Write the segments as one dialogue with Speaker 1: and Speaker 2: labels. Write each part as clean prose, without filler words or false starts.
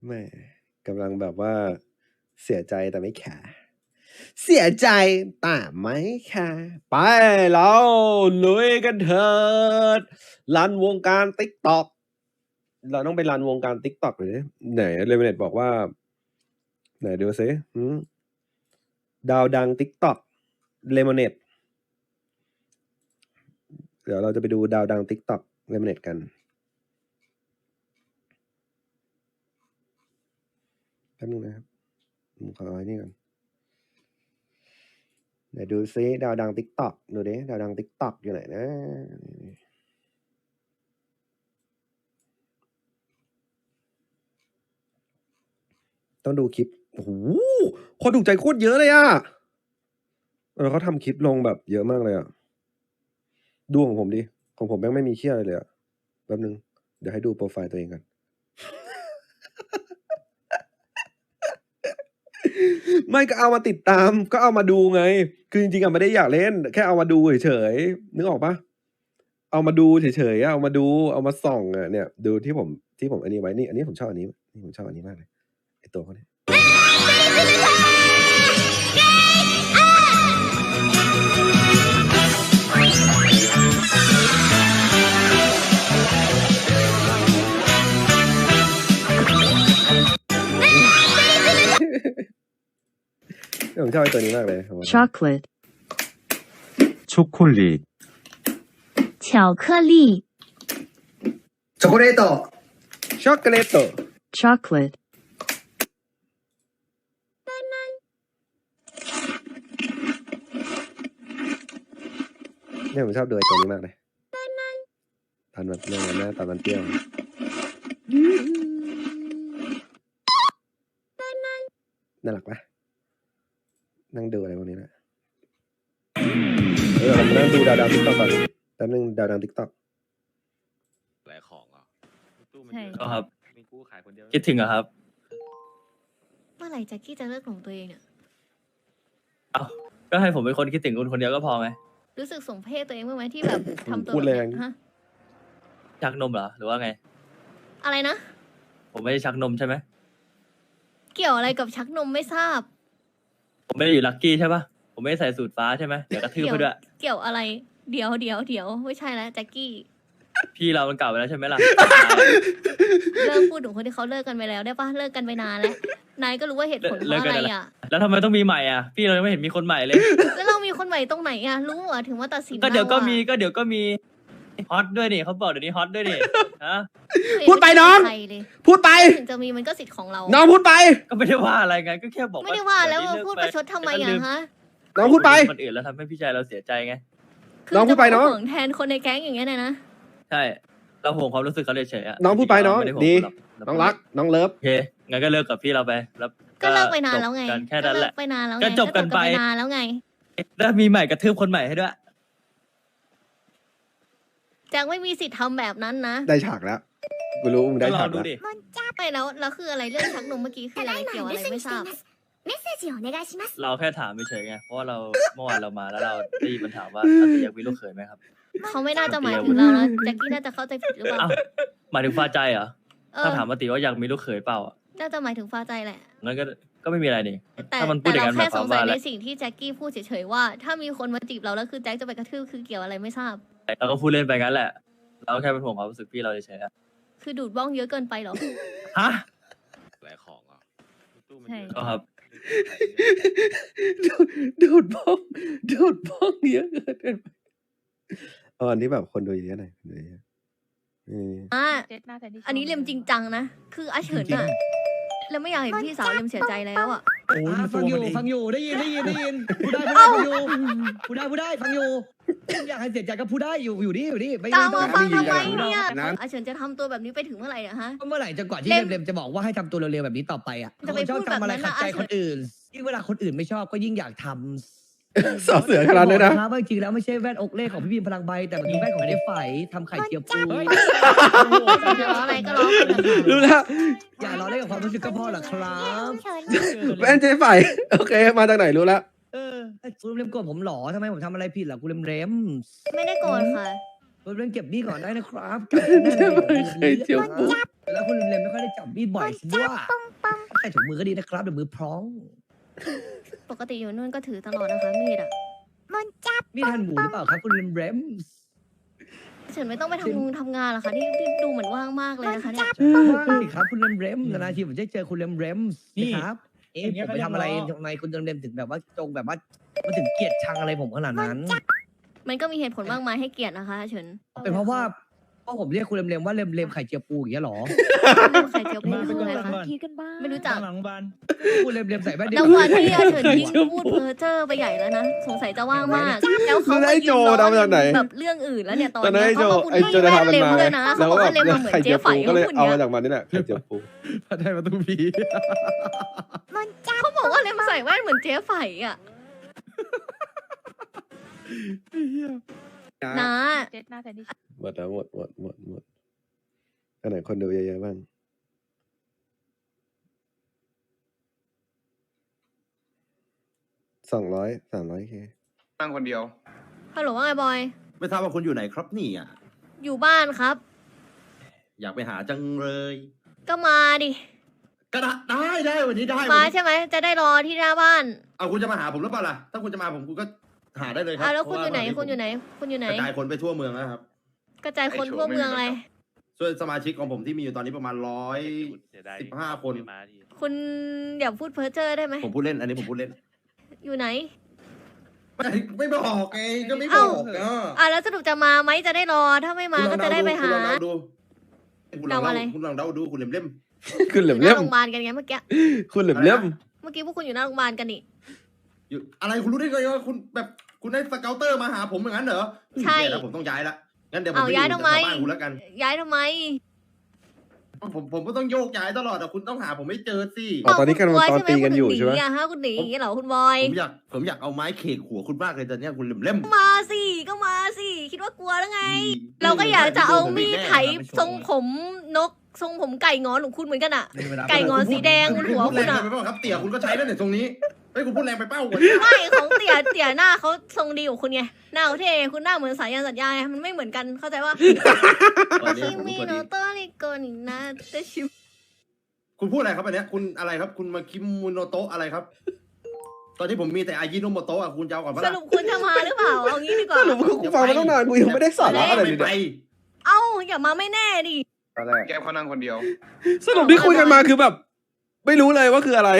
Speaker 1: ไม่กำลังแบบว่าเสียใจแต่ไม่แคร์เสียใจแต่ไม่แคร์ไปเราลุยกันเถิดรันวงการ TikTok เราต้องไปรันวงการ TikTok หรือไหนเลเวเนตบอกว่า ไหนดูซิดาวดัง TikTok เลมอนเนตเดี๋ยวเราจะไปดูดาวดัง TikTok เลมอนเนตกันแป๊บนึงนะครับผมขอเอาไอ้นี่ก่อนเดี๋ยวดูซิดาวดัง TikTok ดูดิดาวดัง TikTok อยู่ไหนนะต้องดูคลิปโอ้โหคนถูกใจโคตรเยอะเลยอะแล้วเขาทำคลิปลงแบบเยอะมากเลยอะดูของผมดิของผมแม่งไม่มีเชี่ยอะไรเลยอะแป๊บนึงเดี๋ยวให้ดูโปรไฟล์ตัวเองกัน ไม่ก็เอามาติดตามก็เอามาดูไง คือจริงๆอะไม่ได้อยากเล่น แค่เอามาดูเฉยๆนึกออกปะเอามาดูเฉยๆเอามาดูเอามาส่องอะเนี่ย ดูที่ผมอันนี้ไว้นี่อันนี้ผมชอบอันนี้นี่ผมชอบอันนี้มากเลยไอตัวเขาเนี่ยผมชอบไอตัวนี้มากเลย
Speaker 2: chocolate
Speaker 3: 초콜릿,
Speaker 4: 巧克力，
Speaker 5: チョコレート
Speaker 1: ช็อกโกแลต
Speaker 2: chocolate
Speaker 1: เนี่ยผมชอบดูไอตัวนี้มากเลยตอนแบบเนี่ยนะตอนมันเปรี้ยวน่ารักปะนั่งดูอะไรพวกนี้นะเรามานั่งดูดาวติ๊กต็อกก่อนแป๊บนึงดาวติ๊กต็อก
Speaker 6: หลายของอ่ะตู้มัน
Speaker 4: ใช่
Speaker 6: เยอะ
Speaker 7: ก็ครับ
Speaker 6: มีกู้ขายคนเดียว
Speaker 7: คิดถึงเหรอครับ
Speaker 4: เมื่อไหร่แจ็คกี้จะเลิกหลงตัวเองเนี่ย
Speaker 7: เอ้าก็ให้ผมเป็นคนคิดถึงคุณคนเดียวก็พอไง
Speaker 4: รู้สึกสมเพศตัวเองบ้างไหมที่แบบทำตัว
Speaker 1: พูด
Speaker 4: แบบ
Speaker 1: แร
Speaker 4: เนี้
Speaker 1: ง
Speaker 4: ยฮะ
Speaker 7: ชักนมเหรอหรือว่าไง
Speaker 4: อะไรนะ
Speaker 7: ผมไม่ได้ชักนมใช่ไหม
Speaker 4: เกี่ยวอะไรกับชักนมไม่ทราบ
Speaker 7: ผมไม่ได้อยู่ลัคกี้ใช่ปะผมไม่ได้ใส่สูตรฟ้าใช่ไหมเดี๋ยวกระทืบไปด้วย
Speaker 4: เกี่ยวอะไร เดี๋ยวไม่ใช่แล้วแจ็คกี้
Speaker 7: พี่เรามันเก่าไปแล้วใช่ไหมล่ะ
Speaker 4: เลิกพูดถึงคนที่เขาเลิกกันไปแล้วได้ปะเลิกกันไปนานแล้วนายก็รู้ว่าเหตุผลเพ
Speaker 7: เลิก
Speaker 4: ราะ
Speaker 7: กั
Speaker 4: อะ
Speaker 7: น
Speaker 4: ไร
Speaker 7: ไปแล้ว
Speaker 4: อ่ะ
Speaker 7: แล้วทำไมต้องมีใหม่อ่ะ พี่เรายังไม่เห็นมีคนใหม่เลย
Speaker 4: แล้วเรามีคนใหม่ตรงไหนอ่ะรู้เหรอถึงว่าตัดสิน
Speaker 7: ก็เดี๋ยวก็
Speaker 4: ราอะ
Speaker 7: มีก็เดี๋ยวก็มีฮอตด้วยนี่เขาบอกเดี๋ยวนี้ฮอตด้วยนี่ฮะ
Speaker 1: พูดไปน้อง
Speaker 4: ใครเลย
Speaker 1: พูดไป
Speaker 4: ถึงจะมีมันก็สิทธิ์ของเรา
Speaker 1: น้องพูดไป
Speaker 7: ก็ไม่ได้ว่าอะไรไงก็แค่บอก
Speaker 4: ไม่ได้ว่าแล้ว
Speaker 7: เย
Speaker 4: ว่า
Speaker 7: นี้
Speaker 4: พูด
Speaker 7: เลิ
Speaker 4: ป
Speaker 7: ก
Speaker 4: ระชดทำไม
Speaker 7: แล้วก็ลื
Speaker 4: อ่ะฮะ
Speaker 1: น้องพูดไป
Speaker 7: คนอื่นแล้วทำให้พี่ชายเราเสียใจไง
Speaker 4: คือ
Speaker 1: น้องพูดไป
Speaker 4: จะมา
Speaker 1: น้อง
Speaker 4: ห่วงแทนคนในแก๊งอย่างเงี้ยนะ
Speaker 7: ใช่ เราห่วงความรู้สึกเขาเฉยๆอะ
Speaker 1: น้องพูดไปน้อง
Speaker 7: ไม่ได้ห่ว
Speaker 1: ดี
Speaker 7: หรอก
Speaker 1: น้องรัก น้องเลิฟ
Speaker 7: โอเคงั้นก็เลิกกับพี่เราไปแล้ว
Speaker 4: ก็เลิกไปนานแล้วไง
Speaker 7: จบกันแค่นั้นแหละ
Speaker 4: ก็เลิกไปนานแล้วไง
Speaker 7: ก็จบกันไป
Speaker 4: นานแล้วไง
Speaker 7: แล้วมีใหม่กระทืบคนใหม่ให้ด้วย
Speaker 4: แจ็คไม่มีสิทธิ์ทำแบบนั้นนะ
Speaker 1: ได้ฉากแล้วกูรู้มึงได้
Speaker 7: ก็ลอ
Speaker 1: ฉาง ก
Speaker 7: ดู
Speaker 1: แล้ว
Speaker 7: ดิ
Speaker 4: ไม่แล้วคืออะไรเรื่องชักนมเมื่อกี้คืออะไรเกี่ยวอะไรไม่ทราบ
Speaker 8: メッセージをお願いします。
Speaker 7: เราแค่ถามเฉยๆไง เพราะว่าเราเมื่อวานเรามาแล้วเราได้ยินมันถามว่าอาติอยากมีลูกเขยไหมครับ
Speaker 4: เขาไม่น่าจะหมายถึงเรานะแจ็คกี้น่าจะเข้าใจผิดหรือเปล่า
Speaker 7: อ้าวหมายถึงฟ้าใจเหรอ
Speaker 4: เออ
Speaker 7: ถ้าถามอาติว่าอยากมีลูกเขยเปล่าอะ
Speaker 4: น่าจะหมายถึงฟ้าใจแหละ
Speaker 7: งั้นก็ไม่มีอะไรนี่
Speaker 4: แต่
Speaker 7: ถ้ามันพูด
Speaker 4: แต่
Speaker 7: อย่าง
Speaker 4: เรา
Speaker 7: นั้นห
Speaker 4: แค่
Speaker 7: มายค
Speaker 4: ส
Speaker 7: วาม
Speaker 4: งสั
Speaker 7: ว่าย อะไร
Speaker 4: ในสิ่งที่แจ็คกี้พูดเฉยๆว่า ถ้ามีคนมาจีบเราแล้วคือแจ็คจะไปกระทืบคือเกี่ยวอะไรไม่ทราบ
Speaker 7: เราก็พูดเล่นไปงั้นแหละ เราแค่เป็นห่วงความรู้สึกพี่เราเฉยๆอะ
Speaker 4: คือดูดบ้องเยอะเกินไปเหรอ
Speaker 7: ฮะ
Speaker 6: หลายของอ่ะตู้มัน
Speaker 4: ใช่
Speaker 6: เยอะ
Speaker 7: ก็ครับ
Speaker 1: ดูดบ้องดูดบ้องเยอะเกินไปเอาอันที่แบบคนดูเยอะหน่อยคนดูเยอะ
Speaker 4: อ่ะอันนี้เรียมจริงจังนะ คืออาเฉินอะแล้วไม่อยากเห็นพี่สาวเรียมเสียใจแล้วอะ
Speaker 5: ฟังอยู่ได้ยินพูดได้ฟังอยู่พูดได้ฟังอยู่อยากให้เสียใจก็พูดได้อยู่นี่ไม่
Speaker 4: ตามมาฟัง
Speaker 5: ต้อ
Speaker 4: ทำไม
Speaker 5: ง
Speaker 4: เนี่ย
Speaker 1: นั้น
Speaker 4: อาเฉินจะทำตัวแบบนี้ไปถึงเมื่อไหร่อะฮะ
Speaker 5: เมื่อไหร่จะกว่าที่
Speaker 4: เล่ม
Speaker 5: เร็มจะบอกว่าให้ทำตัวเร็วๆแบบนี้ต่อไปอ่ะ
Speaker 4: จะไป
Speaker 5: คนชอบ
Speaker 4: พูดแบบ
Speaker 5: ทำอะไร
Speaker 4: นั้น
Speaker 5: ขัด
Speaker 4: นะ
Speaker 5: ใจ
Speaker 4: อาเฉิน
Speaker 5: คนอื่นยิ่งเวลาคนอื่นไม่ชอบก็ยิ่งอยากทำ
Speaker 1: สอเสือขนาดนั้นนะ
Speaker 5: บอกว่าจริงๆแล้วไม่ใช่แว่นอกเล่ของพี่บีมพลังใบแต่มันเป็นแว่นของเจ๊ไฝทำไข่เจียวปู
Speaker 4: จะร้องอะไรก็ร้องไปเถอะค่ะ
Speaker 1: รู้แล้ว
Speaker 5: อย่าล้อเล่นกับความรู้สึกก็พอหรอกครับ
Speaker 1: แว่นเจ๊ไฝโอเค มาจากไหนรู้แล้ว
Speaker 5: กูเร็มโกรธผมหรอทำไมผมทำอะไรผิดล่ะกูเร็ม
Speaker 4: ไม่ได้โกรธค่ะ
Speaker 5: เรื่องเก็บมีดก่อนได้นะครับ
Speaker 1: ไม่เคยเจอปุ๊บ
Speaker 5: แล้วคุณเลมไม่ค่อยได้จับมีดบ่อยสิด้วยใส่ถุงมือก็ดีนะครับเดี๋ยวมือพร้อง
Speaker 4: ปกติอยู่นู่นก็ถือตลอดนะคะมีดอ่ะ
Speaker 5: มีดหั่นหมูหรือเปล่าครับคุณเลมเรมส์
Speaker 4: เฉินไม่ต้องไปทำงานหรอคะที่ดูเหมือนว่างมากเลยนะคะเนี่ย
Speaker 5: ว่างสิครับคุณเลมเรมส์นานๆทีผมจะเจอคุณเลมเรมส์นะครับผมไปทำอะไรทำไมคุณเลมถึงแบบว่าจงแบบว่ามาถึงเกลียดชังอะไรผมขนาดนั้น
Speaker 4: มันก็มีเหตุผลมากมายให้เกลียดนะคะเฉิน
Speaker 5: เป็นเพราะว่าผมเรียกคุณเลมว่าเลมไข่เจียวปูอย่างเงี้ยหรอ
Speaker 4: เรื่องไข่เจียวปูคืออะไรคะ
Speaker 3: คิดกันบ้าง
Speaker 4: ไม่รู้จัก
Speaker 3: หลังบ้าน
Speaker 5: คุณเลมใส่แว่นเดี
Speaker 4: แล้ววันที่เฉินยิ่งพูดเพ้อเจ้อไปใหญ่แล้วนะสงสัยจะว่างมากแล้วเขา
Speaker 1: แล้วไอ้โจดำจากไหน
Speaker 4: แบบเรื่องอื่นแล้วเนี่ยตอน
Speaker 1: ตอนนั้น
Speaker 4: นี้
Speaker 1: ไอ้โจ
Speaker 4: เขาก็พูด
Speaker 1: ไอ้โจจะทำมัน
Speaker 4: เล่ม
Speaker 1: มา
Speaker 4: เลยนะ
Speaker 1: แล้ว
Speaker 4: เขา
Speaker 1: ก็
Speaker 4: ก็
Speaker 1: แบบ
Speaker 4: เล่มมาเหมือน
Speaker 1: ไข่
Speaker 4: เจ๊
Speaker 1: เจียว
Speaker 4: ไฝ
Speaker 1: ปูก็เลย
Speaker 4: พูด
Speaker 1: เอา
Speaker 4: เนี้
Speaker 1: มาย จากมันนี่แหละไข่เจียวปู
Speaker 5: ได้มาตุ้พี
Speaker 4: เขาบอกว่าเล่มใส่แว่นเหมือนเจ๊ไฝอ่ะนะ
Speaker 3: เจ็ดหน้าแต่ดิ
Speaker 1: หมดแล้วหมดอันไหนคนดูเยอะๆบ้าง300 เค
Speaker 9: นั่งคนเดียว
Speaker 4: ฮัลโหลว่าไงบอย
Speaker 10: ไม่ทราบว่าคุณอยู่ไหนครับนี่อ่ะ
Speaker 4: อยู่บ้านครับ
Speaker 10: อยากไปหาจังเลย
Speaker 4: ก็มาดิ
Speaker 10: ก็ได้วันนี้ได้
Speaker 4: มา
Speaker 10: วันนี้
Speaker 4: ใช่ไหมจะได้รอที่หน้าบ้าน
Speaker 10: เอาคุณจะมาหาผมหรือเปล่าล่ะถ้าคุณจะมาผมคุณก็หาได้เลยครั
Speaker 4: แล้วคุณอยู่ไหน
Speaker 10: เพราะว่า
Speaker 4: คุณอยู่ไหนคุณอยู่ไหน
Speaker 10: กระจายคนไปทั่วเมืองแล้วครับ
Speaker 4: กระจายคนทั่วเมืองอะไร
Speaker 10: ส่วนสมาชิกของผมที่มีอยู่ตอนนี้ประมาณ
Speaker 6: เสียดาย
Speaker 10: 115 คน
Speaker 6: ไม่มาที
Speaker 4: คุณอย่าพูดเพ้อเจ้อได้ไหม
Speaker 10: ผมพูดเล่นอันนี้ผมพูดเล่น
Speaker 4: อยู่ไหน
Speaker 10: ไม่บอกไงก็ไม่บ
Speaker 4: เอ้า
Speaker 10: อกอ่ะ
Speaker 4: แล้วสรุปจะมาไหมจะได้รอถ้าไม่มาก็จะได้ไปหา
Speaker 10: คุณลอง
Speaker 4: เดาอะไร
Speaker 10: คุณลองเดาดูคุณเล่ม
Speaker 1: คุณเหลี่ยม
Speaker 4: อยู่ห
Speaker 1: เล่
Speaker 4: น้าม โรงพยาบาลกันไงเมื่อกี้
Speaker 1: คุณเหลี่ยมเล่ม
Speaker 4: เมื่อกี้พวกคุณอยู่หน้าโรงพยาบาลกันนี่
Speaker 10: อยู่อะไรคุณรู้ได้ไงว่าคุณแบบคุณได้สเกลเตอร์มาหาผมอย่างนั้นเหรอ
Speaker 4: ใช่
Speaker 10: แย่แล้วผมต้องย้ายละงั้นเดี๋ยวผม
Speaker 4: เอา
Speaker 10: ไป
Speaker 4: ย้าย
Speaker 10: อยู่
Speaker 4: ทำไม
Speaker 10: แถวบ้านคุณแล้วกัน
Speaker 4: ย้ายทำไม
Speaker 10: ผมก็ต้องโยกย้ายตลอดแต่คุณต้องหาผมไม่เจอสิ
Speaker 1: อ๋อตอนนี้กันตอนตีกันอยู่ใช่ไหม
Speaker 4: คุณหนีอะฮะคุณหนีอย่างเงี้ยเหรอคุณบอย
Speaker 10: ผมอยากเอาไม้เขกหัวคุณมากเลยตอนเนี้ยคุณเล่ม
Speaker 4: มาสิก็มาสิคิดว่ากลัวแล้วไง เราก็อยากจะเอามีดไถทรงผมนกทรงผมไก่งอนของคุณเหมือนกันอะ ไก่งอนสีแดงบนหัว
Speaker 10: พูด
Speaker 4: คุ
Speaker 10: แร
Speaker 4: ณ
Speaker 10: ง
Speaker 4: อะ
Speaker 10: ไปเปล่าครับเตี่ยคุณก็ใช้แล้วเนี่ยตรงนี้เฮ้ยคุณพูดแรงไปเป้า
Speaker 4: ไม่ของเตี่ยหน้าเขาทรงดีกว่าคุณไงหน้าเขาเท่คุณหน้าเหมือนสายันสัญญาไงมันไม่เหมือนกันเข้าใจว่า
Speaker 10: วันนี้
Speaker 4: คิ
Speaker 10: ผม
Speaker 4: มิ
Speaker 10: ตัว
Speaker 4: โน
Speaker 10: ดี
Speaker 4: โตะริโกนินะเตชิ
Speaker 10: คุณพูดอะไรครับอันเนี้ยคุณอะไรครับ คุณมาคิมุโนโตะอะไรครับ ตอนที่ผมมีแต่อายิโนโมโตะอ่ะคุณจะเอาก่อนปะ
Speaker 4: ส
Speaker 10: ล่ะ
Speaker 4: รุปคุณจะมาหรือเปล่าเอางี้ดีกว่า
Speaker 1: สรุปกูฟังมาตั้งนานกูยังไม่ได้สาระอะไรเลย
Speaker 10: ไป
Speaker 1: เนี่ย
Speaker 4: เอ้าอย่ามาไม่แน่ดิ
Speaker 9: แก้วเขานั่งคนเดียว
Speaker 1: สรุปที่คุยกันมาคือแบบ ไม่รู้เลยว่าคืออะไร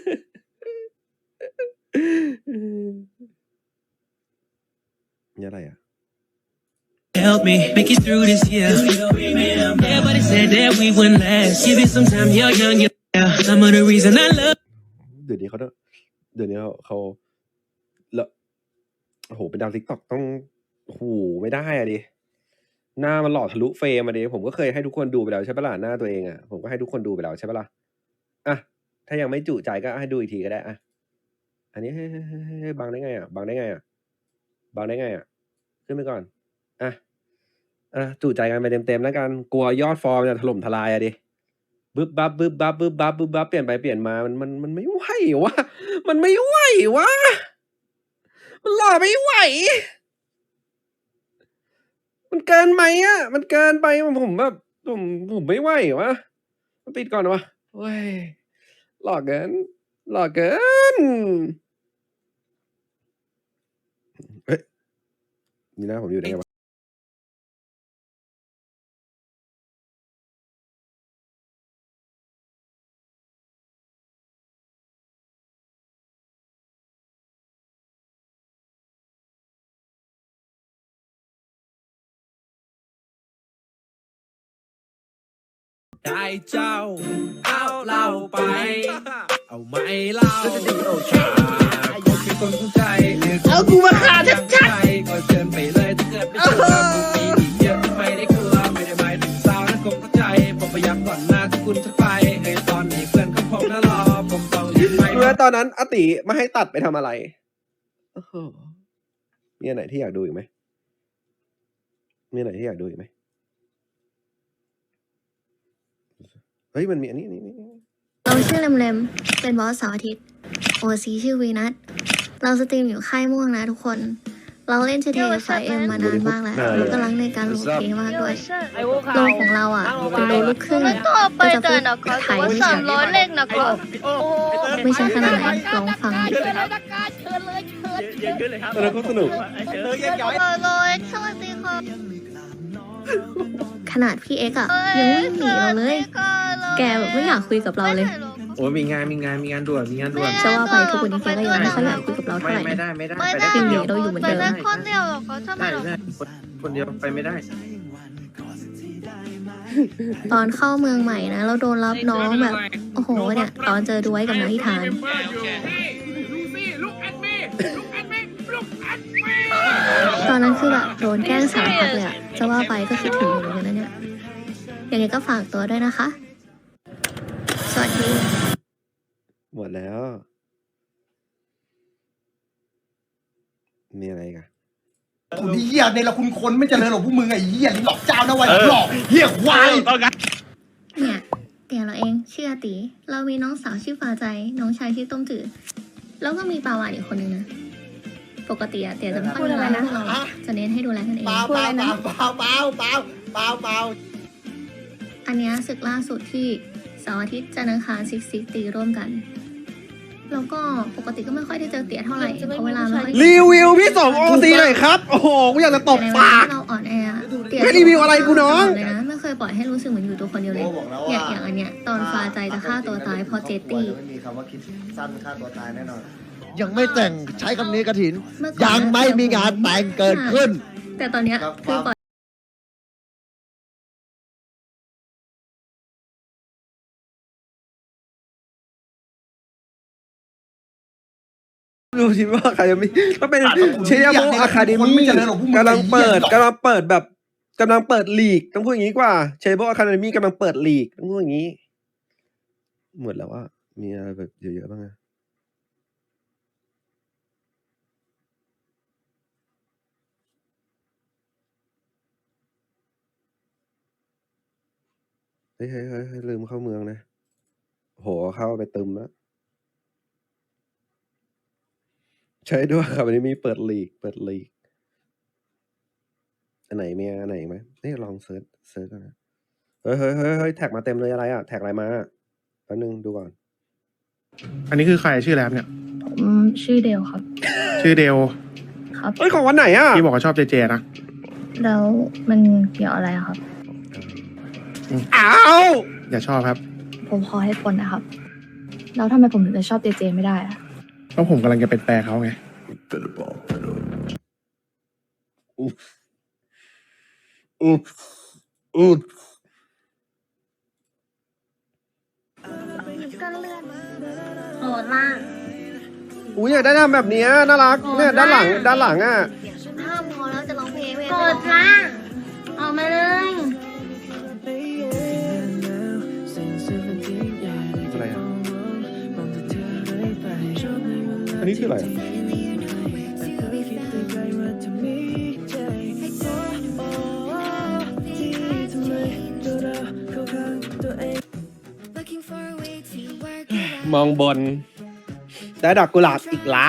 Speaker 1: นี่อะไรอ่ะ
Speaker 11: Help me make it through this year. Everybody said that we wouldn't last. Give it some time, you're young, yeah. Some of the reason I love.
Speaker 1: เดี๋ยวนี้เขาแล้วโอ้โหเป็นดาวทิกตอกต้องโอ้โหไม่ได้อะดิหน้ามันหล่อทะลุเฟรมมาดิผมก็เคยให้ทุกคนดูไปแล้วใช่ปะล่ะหน้าตัวเองอ่ะผมก็ให้ทุกคนดูไปแล้วใช่ปะล่ะอ่ะถ้ายังไม่จุใจก็ให้ดูอีกทีก็ได้อ่ะอันนี้ให้บังได้ไงอ่ะบังได้ไงอ่ะบังได้ไงอ่ะขึ้นไปก่อนอ่ะจุใจกันไปเต็มๆแล้วกันกลัวยอดฟอร์มจะถล่มทลายอะดิบึ๊บบับบึ๊บบับบึ๊บบับบึ๊บบับเปลี่ยนไปเปลี่ยนมามันไม่ไหววะมันไม่ไหววะมันหล่อไม่ไหวมันเกินไหมอ่ะมันเกินไปผมแบบผมไม่ไหววะมันปิดก่อนวะเว้ยหล่อเกินหล่อเกินเฮ้ยนี่นะผมอยู่ไหนกันวะ
Speaker 11: ได้เจ้าเอาเล่าไป เอาไม่เล่าก็คือคนเข้าใจเอากูมาฆ่าชัดก็เชิญไปเลยถ้าเกิดไม่เชื่อกูมีอีกเยอะไม่ได้กลัวไม่ได้หมายถึงสาวนั้นคงเข้าใจผมพยายามก่อนหน้าที่คุณจะไปในตอนนี้เพื่อนของผมนะรอผมต้องรีบไป
Speaker 1: เมื่อตอนนั้นอติไม่ให้ตัดไปทำอะไรโอ้โหมีอันไหนที่อยากดูอีกไหมมีอันไหนที่อยากดูอีกไหมเฮ้ยมันมีอันนี้
Speaker 4: เราชื่อเลมเป็นบอสเสาร์อาทิตย์โอซีชื่อวีนัทเราสตรีมอยู่ค่ายม่วงนะทุกคน
Speaker 8: เราเล่น GTA 5M มานานมากแล้วเราก็รักในการโหลดเพลงมากด้วย
Speaker 5: ไอ้พวก
Speaker 8: โล
Speaker 5: เขา
Speaker 8: ของเราอ่ะเป็นโลลูกครึ่งก็จะพูดไทยไม่ชัด
Speaker 4: เล็กนะครับ
Speaker 8: ไม่ใช่ขนาดนั้นลองฟังดิ
Speaker 1: แล้วก็สนุก
Speaker 4: เลยสวัสดีครับ
Speaker 8: ขนาดพี่เอ็กอะยังวิ่งหนีเราเลย แกแบบไม่อยากคุยกับเราเลย
Speaker 11: โอ้ยมีงานด่วน
Speaker 8: จะว่าไปทุกวันนี้แกก็ยังไม่ค่อยอยากคุยกับเราเท่าไหร่
Speaker 11: ไม่ได้
Speaker 8: ยังหนีเราอยู่เหมือนเดิม
Speaker 4: คนเดียวหรอเขาทำไมหรอ
Speaker 11: คนเดียวไปไม่ได้
Speaker 8: ตอนเข้าเมืองใหม่นะ เราโดนรับน้องแบบ โอ้โหเนี่ย ตอนเจอด้วยกับนายที่ทาน ตอนนั้นคือแบบโดนแกล้งสารพัดเลยอะจะว่าไปก็คิดถึงอยู่เหมือนกันนะเนี่ยยังไงก็ฝากตัวด้วยนะคะ สวัสดี
Speaker 1: หมดแล้ว มีอะไรอีกัน
Speaker 10: คุณเหี้ยในละคุณคนไม่เจริญหรอกพวกมึงไอ้เหี้ยหลอกเจ้านะวันหลอกเหี้ยควาย
Speaker 8: เนี่ยเตี๋ยเราเองชื่ออาตีเรามีน้องสาวชื่อฟ้าใจ น้องชายชื่อต้มจืดแล้วก็มีปลาวานอีกคนนึงนะ ปกติอะเตี๋ยจะไม่ค่อยดูแลพวกเราจะเน้นให้ดูแลกันเอง
Speaker 10: เปล่า
Speaker 8: อันเนี้ยศึกล่าสุดที่เสาร์อาทิตย์จันทร์อังคารซิกตีร่วมกัน แล้วก็ปกติก็ไม่ค่อยได้เจอเตี๋ยเท่าไหร่เพราะเวลาไม่ค่อย
Speaker 1: รีวิวพี่สมโอซีหน่อยครับ โอ้โห กูอยากจะตบ
Speaker 8: ในเว
Speaker 1: ปา
Speaker 8: ลาก ที่เราอ่อนแอเตี๋ย
Speaker 1: ไม่รีวิวอะไรกูน้อง
Speaker 8: เลยนะไม่เคยปล่อยให้รู้สึกเหมือนอยู่ตัวคนเดียวเลยเนี่ยอย่างอันเนี้ยตอนฟ้าใจจะฆ่าตัวตายเพราะเจตตี้
Speaker 10: ไม่มีคำว่าคิดสั้นฆ่าตัวตายแน่นอน
Speaker 3: ยังไม่แต่งใช้คำนี้กระถิน
Speaker 8: เมื่อก่อน
Speaker 3: ยังไม่มีงานแต่งเกิดขึ้น
Speaker 8: แต่ตอนเนี้ยคือปล่อย
Speaker 1: ดูสิว่าใครจะมีก็เป็นเชียร์โมอะคาเดมี่กำลังเปิดแบบกำลังเปิดลีกต้องพูดอย่างนี้กว่าเชียร์โมอะคาเดมี่กำลังเปิดลีกต้องพูดอย่างนี้ หมดแล้วว่ามีอะไรแบบเยอะๆบ้างอะเฮ้ยลืมเข้าเมืองนะโหเข้าไปตึมแล้วใช่ด้วยครับวันนี้มีเปิดลีกอันไหนมีอันไหนอีกไหมนี่ลองเซิร์ชก่อนนะเฮ้ยแท็กมาเต็มเลยอะไรอ่ะแท็กอะไรมาแป๊บนึงดูก่อน
Speaker 11: อันนี้คือใครชื่อแล้วเนี่ย
Speaker 2: ชื่อเดลครับ
Speaker 11: ชื่อเดล
Speaker 2: ครับ
Speaker 1: เอ้ยของวันไหนอ่ะ
Speaker 11: ที่บอกว่าชอบเจนะ
Speaker 2: แล้วมันเกี่ยวอะไรครับ
Speaker 1: อ้าว
Speaker 11: อย่าชอบครับ
Speaker 2: ผมขอให้ผลนะครับ แล้วทำไมผมถึงจะชอบเจไม่ได้อะ
Speaker 11: เพราะผมกำลังจะเป็นแปรเขาไง
Speaker 1: อุ๊บ
Speaker 8: โหดมาก
Speaker 1: อุ้ยอยากได้ทำแบบเนี้ยน่ารักเนี่ยด้านหลังอ่ะ
Speaker 8: ห้ามพอแล้วจะร้องเพลงไม่
Speaker 4: โกรธละออกมาเลย
Speaker 1: อะไรอ่ะอันนี้คืออะไร มองบนได้ดอกกุหลาบอีกละ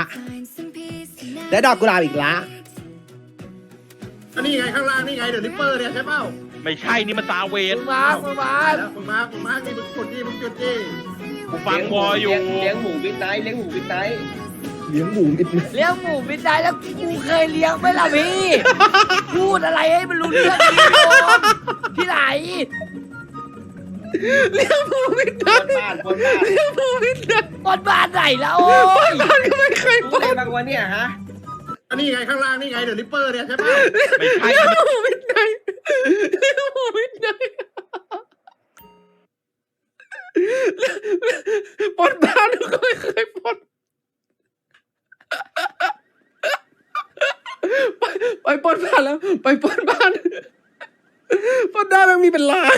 Speaker 10: อันนี้ไงข้างล่างนี่ไงเดี๋ยวลิปเปอร์เนี่ยใช่เปล่า
Speaker 6: ไม่ใช่นี่มันซาเวน
Speaker 10: มานี่มึงกดดิมึงจุดดิ
Speaker 6: กูฟังวออยู่
Speaker 5: เลี้ยงหมูบิดไนท์
Speaker 1: เลี้ยงหมูมิดไนท์
Speaker 5: เลี้ยงหมูบิดไนท์แล้วกูเคยเลี้ยงไหมล่ะพี่ พูดอะไรให้มันรู้เรื่องดิโยมที่ไหน
Speaker 1: เลี้ยงหมูมิดไนท์เลี้ยงหมูมิดไนท์
Speaker 5: บนบ้านไหนแล้วโอ้ย
Speaker 1: บ้านก็ไม่เคยปล้น
Speaker 5: บางวันเนี่ยฮะ
Speaker 10: อันนี้ไงข้างล่างนี่ไงเดี๋ยวลิปเปอร์เนี่ยใช่เปล่า
Speaker 6: ไม่ใช่
Speaker 1: เลี้ยงหมูมิดไนท์ปล้นบ้านก็ไม่เคยปล้นไปปล้นบ้านแล้วไปปล้นบ้านปล้นได้มันมีเป็นล้าน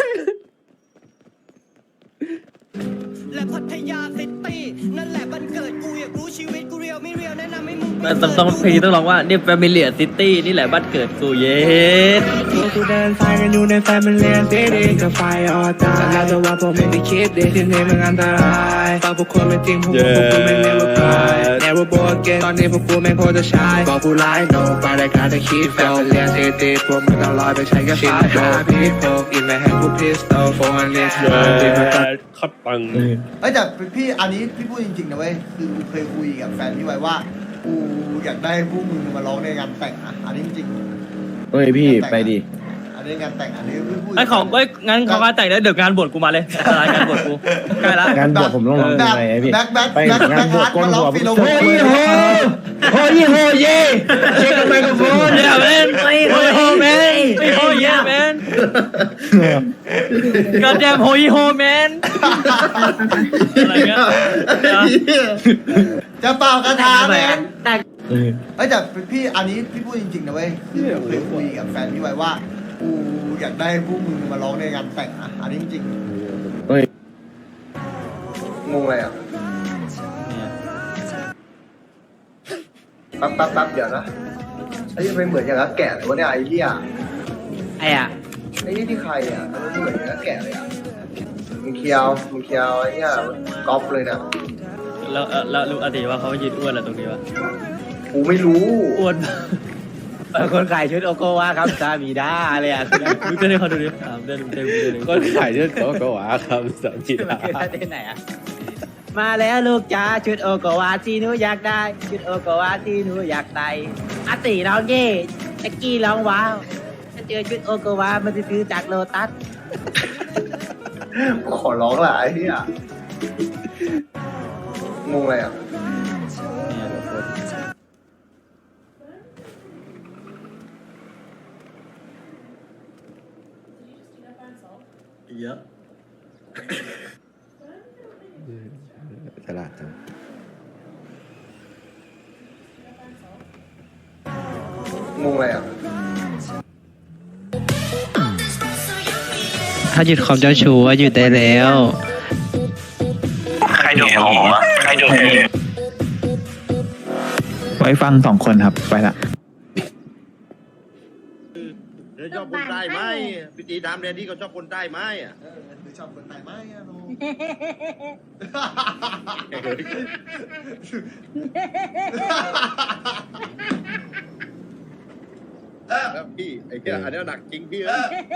Speaker 5: และพัทยาซิตี้นั่นแหละบ้านเกิดกูอยากรู้ชีวิตกูเรียวไม่เรียวแนะนำให้มึง
Speaker 7: ต้องเพลงต้องร้องว่านี่แฟมิเลียซิตี้นี่แหละบ้านเกิดกูเย็ด
Speaker 11: กูเดินสายกันอยู่ในแฟมิเลียซิตี้กับไฟออตาแล้วแต่ว่าผมไม่ได้คิดที่นี่มันอันตรายตอนพวกคุณเป็นจริงพวกกูไม่ never cry never born again ตอนนี้พวกกูไม่โคตรจะชายบอกกูไลฟ์โนไปรายการจะคิดโตเรียนติดพวกมึงต้องลอยไปใช้กันชินหาพี่โฟกินแม่แฮงกูพิสโตโฟนเลส
Speaker 1: คัดตัง
Speaker 3: เอ้ยแต่พี่อันนี้พี่พูดจริงๆนะเว้ยคือเคยคุยกับแฟนพี่ไว้ว่ากูอยากได้พวกมึงมาร้องในงานแต่งนะอันนี้จริง
Speaker 5: เฮ้ยพี่ไปดิ
Speaker 3: อันนี้งานแต่งอันนี้พี่พูด
Speaker 7: ไอ้ของเอ้ยงั้นเขาก็แต่งแล้วเดี๋ยวงานบวชกูมาเลยอะไรงานบวชกูใกล้ละ
Speaker 5: งานบวชผมต้องร้องยังไงพี่
Speaker 3: แบ็ค
Speaker 5: ไปงานบวชก้นหัว
Speaker 3: ฟิโล
Speaker 5: โอ้ยโหโอ้ยโหเย่เช็คไมโครโฟน
Speaker 7: เดี๋ยวแมนไม่โฮแมนไม่โฮเย่แมนก็แจมโฮยโฮแมนอะไรเงี้ย
Speaker 3: จะเป่ากระทะไหม
Speaker 7: แต่
Speaker 3: เอ้ยแต่พี่อันนี้พี่พูดจริงๆนะเว้ยคือเคยคุยกับแฟนพี่ไว้ว่ากูอยากได้พวกมึงมาร้องในงานแต่งนะอันนี้จริง
Speaker 5: เฮ้ย
Speaker 3: งงเลยอ่ะแป๊บเดี๋ยวนะไอ้ยังไม่เหมือนอย่างนั้นแก่เลยวะเนี่ยไอ้เหี้ย
Speaker 7: ไอ้อะ
Speaker 3: ไอ้นี่ที่ใครอ่ะมันไม่เหมือนอย่างนั้นแก่เลยอ่ะมึงเคียวไอ้เหี้ยก๊อปเลยนะ
Speaker 7: แล้วรู้อาติว่าเขายืนอ้วนอะไรตรงนี้วะ
Speaker 3: กูไม่รู้
Speaker 7: อ้วน
Speaker 5: คนขายชุดโอโกวาครับซามีด้าเลยอ่ะ
Speaker 7: มึงเต้นให้เขาดูดิเต้น
Speaker 1: ก็ขายเรื่องก็หวาครับสามีดา
Speaker 5: เต้นไหนอ่ะมาแล้วลูกจ้าชุดโอโกวาที่หนูอยากได้ชุดโอโกวาที่หนูอยากได้อาติร้องเย่แจ็กกี้ร้องว้าวถ้าเจอชุดโอโกวามันจะซื้อจากโลตัส
Speaker 3: ขอร้องละไอ้เหี้ยงงเลยอ่ะเยอะ
Speaker 1: ฉลาดจัง
Speaker 3: งงเลยอ่ะ
Speaker 5: ถ้าหยุดความเจ้าชู้ว่าหยุดได้แล้ว
Speaker 6: ใครโดนหอใครโดน
Speaker 5: ไว้ฟัง2 คนครับไปละ
Speaker 10: ชอบคนใต้ไหมพี่ตีถามเรียนที่เขาชอบคนใต้ไหมอ่ะ
Speaker 3: ชอบคนใต้ไหมอ่ะน้อง
Speaker 10: ครับพี่ไอ้เหี้ยอันนี้หนักจริงพี่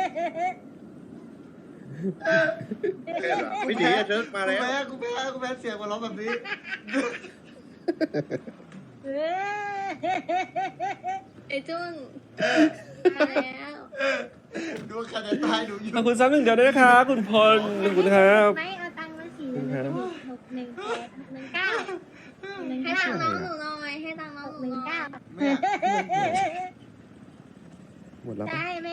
Speaker 10: พี่ตีเชิญมาแล้ว
Speaker 3: กูแพ้เสียงมาร้องแบบนี้
Speaker 8: ไอ้จุ้นแล้ว
Speaker 3: ดูคะแนนตายดูอยู่
Speaker 1: ขอบคุณซ้ำหนึ่งเดียวด้วยนะครับคุณพลขอบคุณครับ
Speaker 8: ไม่เอาตังค์มา4 618 19ให้ตังค์น้องหนูหน่อยให้ตังค์น้องหนูหน่อย
Speaker 1: หมดแล้ว
Speaker 8: ได้ไหม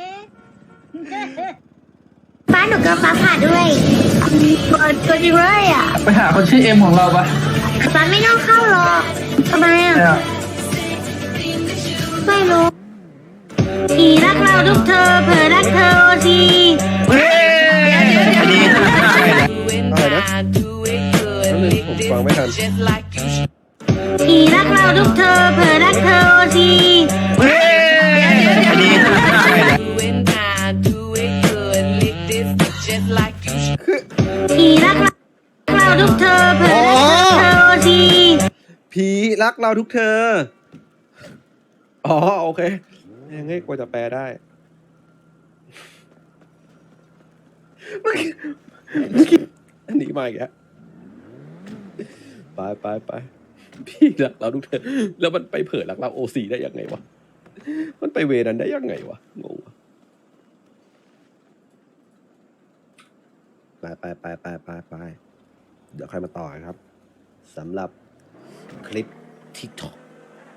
Speaker 8: ฟ้าหนูก็ฟ้าผ่าด้วยตัวจริงเลยอ่ะ
Speaker 5: ไปหาคนชื่อเอ็มของเราปะ
Speaker 8: ฟ้าไม่ต้องเข้าหรอกทำไมอ่ะไม่รู้ผีรักเราทุกเธอเผลอรักเธอที
Speaker 1: อะไรนะนั่นเลยผมฟังไม่ทัน
Speaker 8: ผีรักเราทุกเธอเผลอรักเธอทีผีรักเราทุกเธอเผลอรักเธอที
Speaker 1: ผีรักเราทุกเธอ อ๋อโอเคยังไงกว่าจะแปลได้เมื่อกี้อันนี้มาอีกแล้วไปพี่รักเราทุกเธอ แล้วมันไปเผยรักเราโอซีได้ยังไงวะมันไปเวนั้นได้ยังไงวะงงวะไปเดี๋ยวใครมาต่อครับสำหรับคลิป TikTok